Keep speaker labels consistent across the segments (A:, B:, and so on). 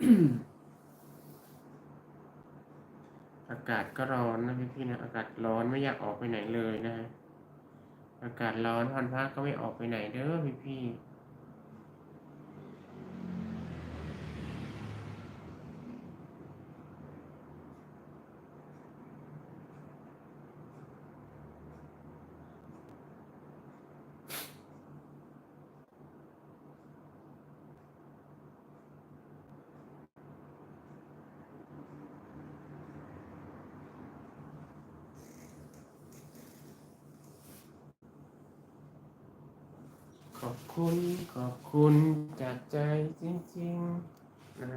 A: อากาศก็ร้อนนะพี่ๆนะอากาศร้อนไม่อยากออกไปไหนเลยนะฮะอากาศร้อนวันพระก็ไม่ออกไปไหนเด้อพี่ๆขอบคุณขอบคุณจากใจจริงๆนะฮะ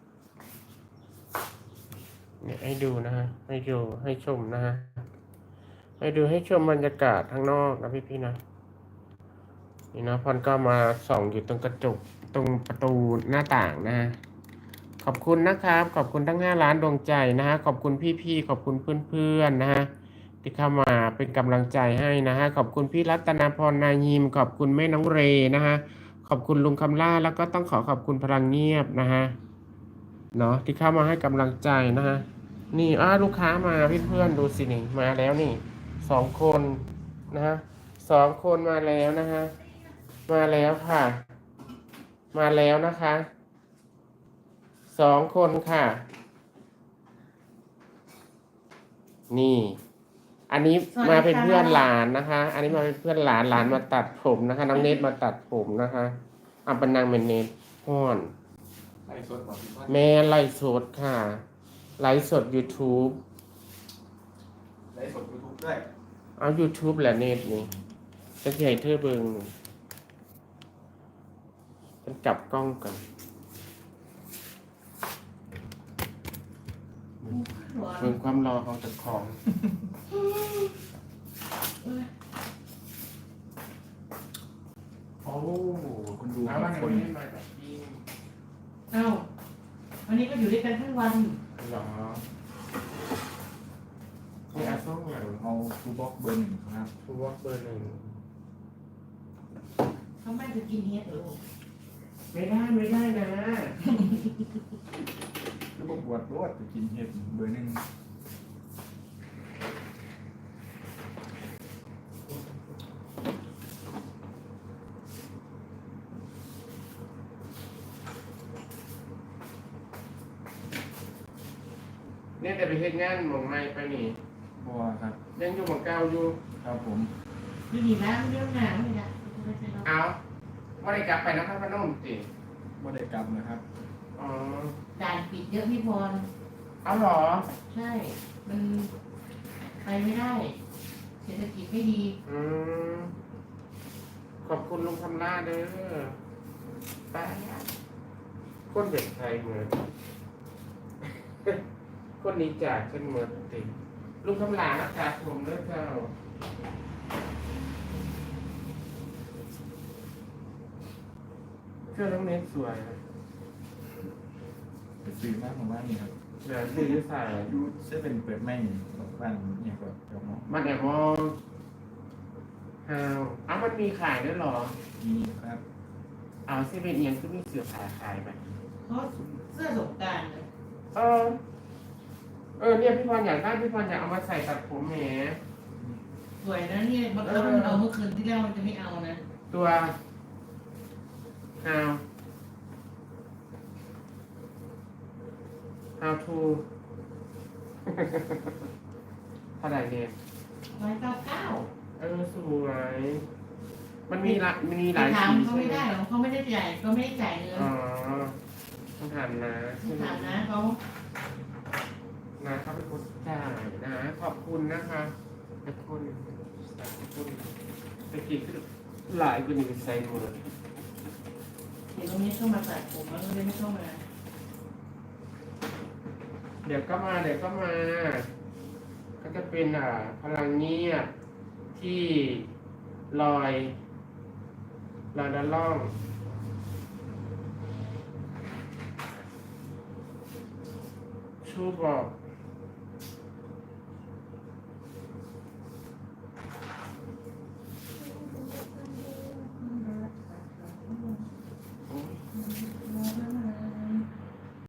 A: เนี่ยให้ดูนะฮะให้ดูให้ชมนะฮะให้ดูให้ชมบรรยากาศข้างนอกนะพี่ๆนะนี่นะพรก็มาส่องอยู่ตรงกระจกตรงประตูหน้าต่างนะฮะขอบคุณนะครับขอบคุณทั้ง5 ล้านดวงใจนะฮะขอบคุณพี่ๆขอบคุณเพื่อนๆนะฮะที่เข้ามาเป็นกำลังใจให้นะฮะขอบคุณพี่รัตนาพรนายิมขอบคุณแม่น้องเรนะฮะขอบคุณลุงคำล่าแล้วก็ต้องขอบคุณพลังเงียบนะฮะเนาะที่เข้ามาให้กำลังใจนะฮะนี่ลูกค้ามาเพื่อนๆดูสินี่มาแล้วนี่2 คนนะฮะ2 คนมาแล้วนะฮะมาแล้วค่ะมาแล้วนะคะ2 คนค่ะนี่ อันนี้มาเป็นเพื่อนหลานนะคะ อันนี้มาเป็นเพื่อนหลานมาตัดผมนะคะน้องเนตมาตัดผมนะคะอัปนังเป็นเนตฮ้อน
B: ไล่สดหมดพี่ว่า
A: แม่ไลฟ์สดค่ะไลฟ์สด YouTube
B: ไล่สดยูทูบด้วย
A: เอา YouTube แหละเนตนี่จะใหญ่เธอเบิงฉันกลับกล้องก่อนเบิ่งความรอของเจ้าของโอ้
B: คนดู
A: แล้ววัน
B: คน
A: นี้มาจากที่
C: เอ้าวันนี้ก็อยู่ด้วยกันทั้งวัน
A: หรอมีอาส้มอย่าง
B: เอาทูบ็อกเบอร์ 1ครับ
A: ทูวอล์กเบอร์ 1
C: เขาไม่จะกินเฮ็ดเหรอลูก
A: ไม่ได้นะ
B: แล้วก็บวชรวดจะกินเห็ดเบอร์ 1
A: เนี่ยแต่ไปเฮ็ดงานหมองไม่ไปนี่
B: บัวครับ
A: ยังอยู่หมองเก่าอยู่
B: ครับผม
C: ดูดีนะเรื่องหนาวเลยนะ
A: เอาว่าได้กลับไปนครพนมสิ
B: บ่ได้กลับนะครับ
A: อ๋อ
C: ด่านปิดเยอะพี่พร
A: เอาเหรอ
C: ใช่ มันไปไม่ได้ เศรษฐกิจไม่ดี
A: อืมขอบคุณลุงคำล่าเด้อไปคนเด็กไทยเหมือน คนนี้จากฉันเหมือนติลุงคำลาอากาศผมเด้อเจ้าเสื้อน้องเนสสวยนะ
B: ไปซื้อมากของบ้านนี่ครับ
A: เดี๋ยวซื้อใส่
B: ยูเซเป็นเปิดไม่บอกบ้านเนี่ยก็เดี๋ยวเนาะ
A: มันแอบมองฮาวมันมีขายด้วยเหรอ
B: นี่ครับ
A: เอาเซเว่นเอียงก็มีเสื้อผ้าขายไป
C: เพราะเสื้อสงกรานต์เลย
A: เออ เนี่ยพี่พรอยากได้พี่พรอยากเอามาใส่ตัดผมแหม
C: สวยนะเนี่ยบางครั้งมันเอาเมื่อคืนที่แล้วมันจะไม่เอานะ
A: ตัวฮาว how to เท่าไหร่เนี่ย
C: 199
A: สวย มันมีหลาย
C: ถาม
A: สี
C: เขา
A: ใช่
C: ไม่
A: ไหม
C: ได้หรอกเขาไม่ได้จ่ายเขาไม่ได้จ่ายเงิน
A: อ๋อต้องถามนะ
C: ถามนะเขา
A: เขาเป็นคนจ่ายนะ ขอบคุณนะคะขอบคุณตะกี้คือหลายกว่านี้ใส่หมด
C: เดี๋ยวตรงนี้เข้ามาตัดผมแล้วตรงนี้ไม่เข้ามา
A: เดี๋ยวก็มา ก็จะเป็นพลังเงียบที่ลอยด้านล่องชูบอก